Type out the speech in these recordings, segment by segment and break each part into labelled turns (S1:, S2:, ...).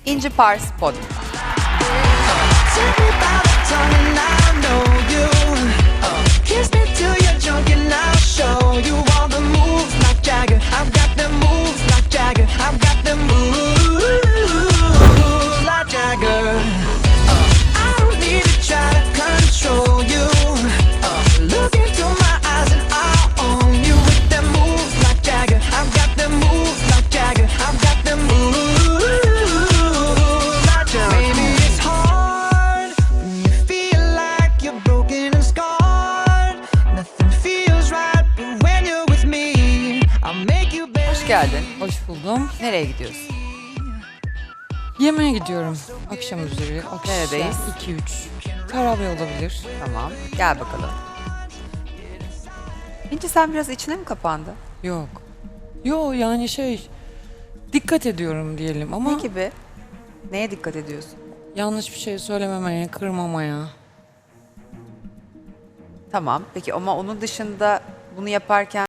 S1: İnci Pars Podyum. Hoş geldin.
S2: Hoş buldum.
S1: Nereye gidiyorsun?
S2: Yemeğe gidiyorum. Akşam üzeri. Akşam
S1: Neredeyiz?
S2: 2-3. Karabe olabilir.
S1: Tamam. Gel bakalım. İnci sen biraz içine mi kapandı?
S2: Yok. Yani dikkat ediyorum diyelim ama
S1: Ne gibi? Neye dikkat ediyorsun?
S2: yanlış bir şey söylememeye, kırmamaya.
S1: Tamam. Peki ama onun dışında bunu yaparken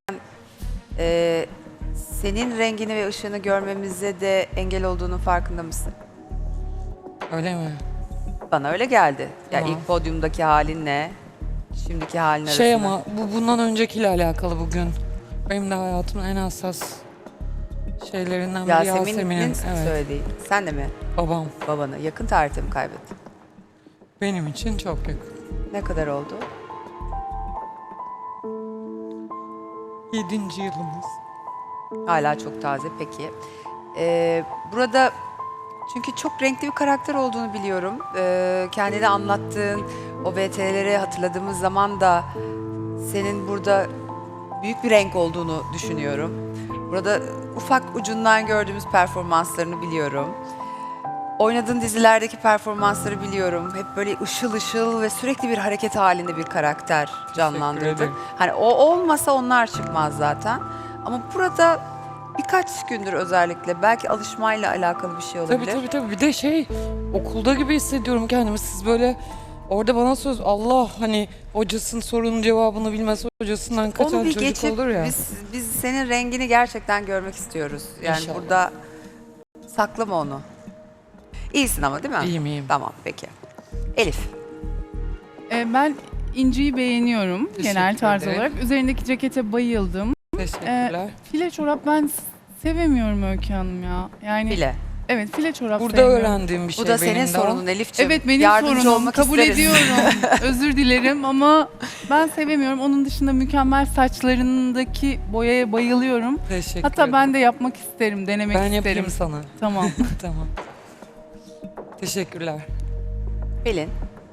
S1: senin rengini ve ışığını görmemize de engel olduğunun farkında mısın?
S2: Öyle mi?
S1: Bana öyle geldi. Ya
S2: Tamam.
S1: ilk podyumdaki halinle şimdiki halin arasında.
S2: Ama bu bundan öncekiyle alakalı bugün. Benim de hayatımın en hassas şeylerinden biri
S1: Yasemin'in
S2: Evet.
S1: söylediği. Sen de mi
S2: Babam.
S1: babanı yakın tarihte mi kaybettin?
S2: Benim için çok yakın.
S1: Ne kadar oldu?
S2: 7. yılımız.
S1: Hala çok taze peki. Burada çünkü çok renkli bir karakter olduğunu biliyorum. Kendini anlattığın o VTR'leri hatırladığımız zaman da senin burada büyük bir renk olduğunu düşünüyorum. Burada ufak ucundan gördüğümüz performanslarını biliyorum. Oynadığın dizilerdeki performansları biliyorum. Hep böyle ışıl ışıl ve sürekli bir hareket halinde bir karakter canlandırdın.
S2: ederim.
S1: Hani o olmasa onlar çıkmaz zaten. Ama burada birkaç gündür özellikle belki alışmayla alakalı bir şey olabilir.
S2: Tabii. Bir de okulda gibi hissediyorum kendimi. Siz böyle orada bana Allah hani hocasının sorunun cevabını bilmez hocasından kaçan
S1: Onu bir
S2: çocuk
S1: geçip
S2: olur ya.
S1: biz senin rengini gerçekten görmek istiyoruz. Yani
S2: İnşallah.
S1: burada saklama onu. İyisin ama değil mi?
S2: İyiyim.
S1: Tamam peki. Elif.
S3: Ben İnci'yi beğeniyorum genel tarz
S2: ederim.
S3: olarak. Üzerindeki cekete bayıldım.
S2: Teşekkürler.
S3: File çorap ben sevemiyorum Öykü Hanım ya. Yani
S1: Bile.
S3: evet file çorap
S2: Burada
S3: sevmiyorum.
S2: öğrendiğim bir şey
S1: Bu da senin
S2: benim de.
S1: sorunun Elif'ciğim.
S3: Evet benim
S1: Yardımcı
S3: sorunum.
S1: olmak
S3: Kabul
S1: isteriz.
S3: ediyorum. Özür dilerim ama ben sevemiyorum. Onun dışında mükemmel saçlarındaki boyaya bayılıyorum.
S2: Teşekkür
S3: Hatta
S2: ederim.
S3: ben de yapmak isterim, denemek
S2: Ben
S3: isterim.
S2: yapayım sana.
S3: Tamam.
S2: Tamam. Teşekkürler.
S1: Pelin.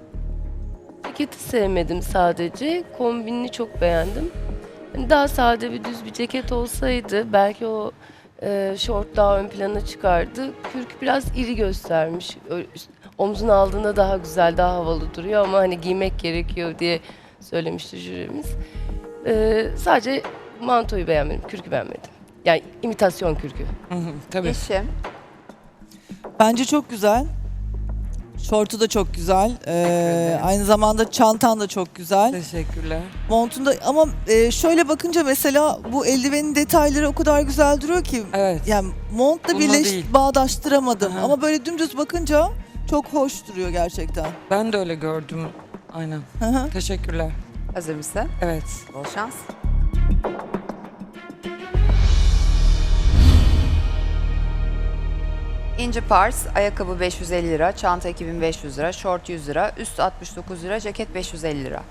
S4: Ceketi sevmedim sadece. Kombinini çok beğendim. Hani daha sade bir düz bir ceket olsaydı belki o şort daha ön plana çıkardı. Kürk biraz iri göstermiş. Omzuna aldığında daha güzel, daha havalı duruyor ama hani giymek gerekiyor diye söylemişti jürimiz. Sadece mantoyu beğenmedim, kürkü beğenmedim. Yani imitasyon kürkü.
S2: Tabii.
S1: Yeşim.
S5: Bence çok güzel. Şortu da çok güzel.
S2: ederim.
S5: Aynı zamanda çantan da çok güzel.
S2: Teşekkürler.
S5: Montunda ama şöyle bakınca mesela bu eldivenin detayları o kadar güzel duruyor ki
S2: Evet.
S5: yani montla
S2: Bununla değil.
S5: bağdaştıramadım.
S2: Aha.
S5: Ama böyle dümdüz bakınca çok hoş duruyor gerçekten.
S2: Ben de öyle gördüm. Aynen.
S5: Hı hı.
S2: Teşekkürler.
S1: Hazır mısın?
S2: Evet.
S1: Bol şans. İnci Pars, ayakkabı 550 lira, çanta 2500 lira, şort 100 lira, üst 69 lira, ceket 550 lira.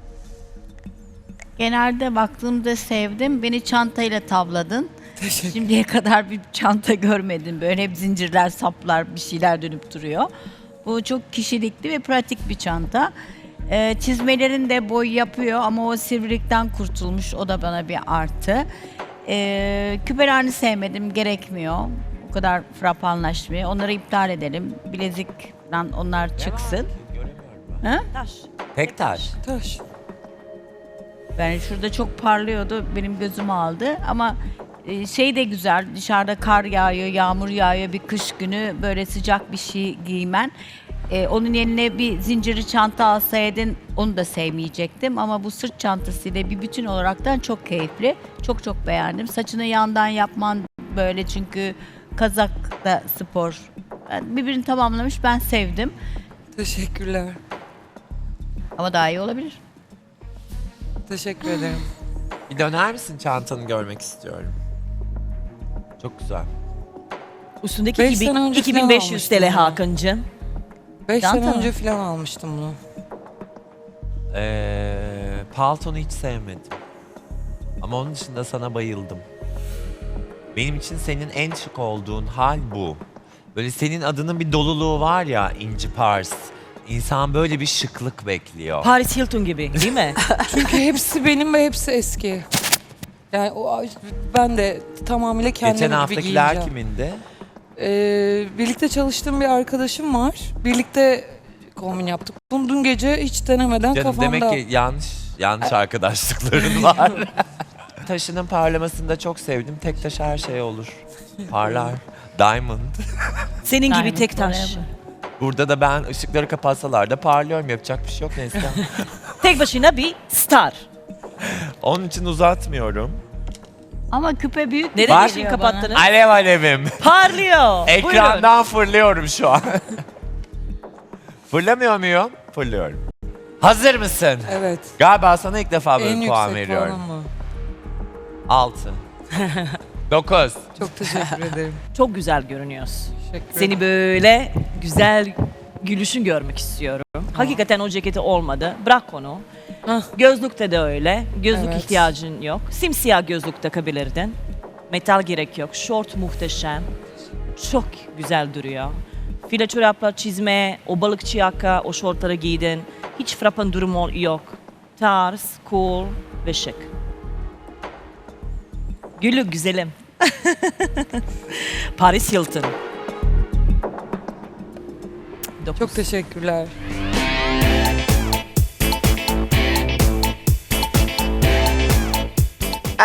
S6: Genelde baktığımda sevdim. Beni çantayla tavladın.
S2: Teşekkür.
S6: Şimdiye kadar bir çanta görmedim. Böyle hep zincirler, saplar, bir şeyler dönüp duruyor. Bu çok kişilikli ve pratik bir çanta. Çizmelerin de boy yapıyor ama o sivrilikten kurtulmuş. O da bana bir artı. Küpelerini sevmedim. Gerekmiyor. O kadar frapanlaşmıyor. Onları iptal edelim. Bilezik falan onlar çıksın. Ha?
S7: Tek taş.
S2: Taş.
S6: Yani şurada çok parlıyordu, benim gözümü aldı ama şey de güzel, dışarıda kar yağıyor, yağmur yağıyor, bir kış günü böyle sıcak bir şey giymen. Onun yerine bir zincirli çanta alsaydın onu da sevmeyecektim ama bu sırt çantasıyla bir bütün olaraktan çok keyifli. Çok çok beğendim. Saçını yandan yapman böyle çünkü kazak da spor Birbirini tamamlamış. Ben sevdim.
S2: Teşekkürler.
S6: Ama daha iyi olabilir.
S2: Teşekkür ederim.
S7: Bir döner misin, çantanı görmek istiyorum. Çok güzel.
S8: Üstündeki
S2: 5 sene önce
S8: 2500
S2: falan
S8: TL
S2: almıştım
S8: Hakan'cığım.
S2: 5
S6: Çanta
S2: sene
S6: mı?
S2: önce falan almıştım bunu.
S7: Paltonu hiç sevmedim. Ama onun dışında sana bayıldım. Benim için senin en şık olduğun hal bu. Böyle senin adının bir doluluğu var ya, inci pars. İnsan böyle bir şıklık bekliyor.
S8: Paris Hilton gibi değil mi?
S2: Çünkü hepsi benim ve hepsi eski. Yani ben de tamamıyla kendim
S7: Geçen
S2: gibi
S7: haftakiler
S2: giyeceğim.
S7: kimindi?
S2: Birlikte çalıştığım bir arkadaşım var. Birlikte kombin yaptık. Bunu dün gece hiç denemeden
S7: Canım
S2: kafamda...
S7: demek ki yanlış arkadaşlıkların var. Taşının parlamasını da çok sevdim. Tek taş her şey olur. Parlar. Diamond.
S8: Senin gibi
S6: Diamond
S8: tek taş.
S6: forever.
S7: Burada da ben ışıkları kapatsalar da parlıyorum. Yapacak bir şey yok Neslihan.
S8: Tek başına bir star.
S7: Onun için uzatmıyorum.
S6: Ama küpe büyük.
S8: Neden
S7: Bak-
S8: ışığı kapattınız?
S7: Alev alevim.
S8: Parlıyor. Buyurun.
S7: Ekrandan fırlıyorum şu an. Fırlamıyor muyum? Fırlıyorum. Hazır mısın?
S2: Evet.
S7: Galiba sana ilk defa böyle
S2: En
S7: puan
S2: yüksek
S7: veriyorum.
S2: puanım mı?
S7: 6. 9.
S2: Çok teşekkür ederim.
S8: Çok güzel görünüyorsun.
S2: Teşekkür ederim.
S8: Seni böyle güzel gülüşün görmek istiyorum. Hakikaten o ceketi olmadı. Bırak onu.
S2: Hah.
S8: Gözlükte de öyle. Gözlük
S2: Evet.
S8: ihtiyacın yok. Simsiyah gözlük takabilirdin. Metal gerek yok. Şort muhteşem. Çok güzel duruyor. File çorapla çizme, o balıkçı yaka, o şortları giydin. Hiç frapan durumu yok. Tarz, cool ve şık. Gülü güzelim. Paris Hilton.
S2: Çok teşekkürler.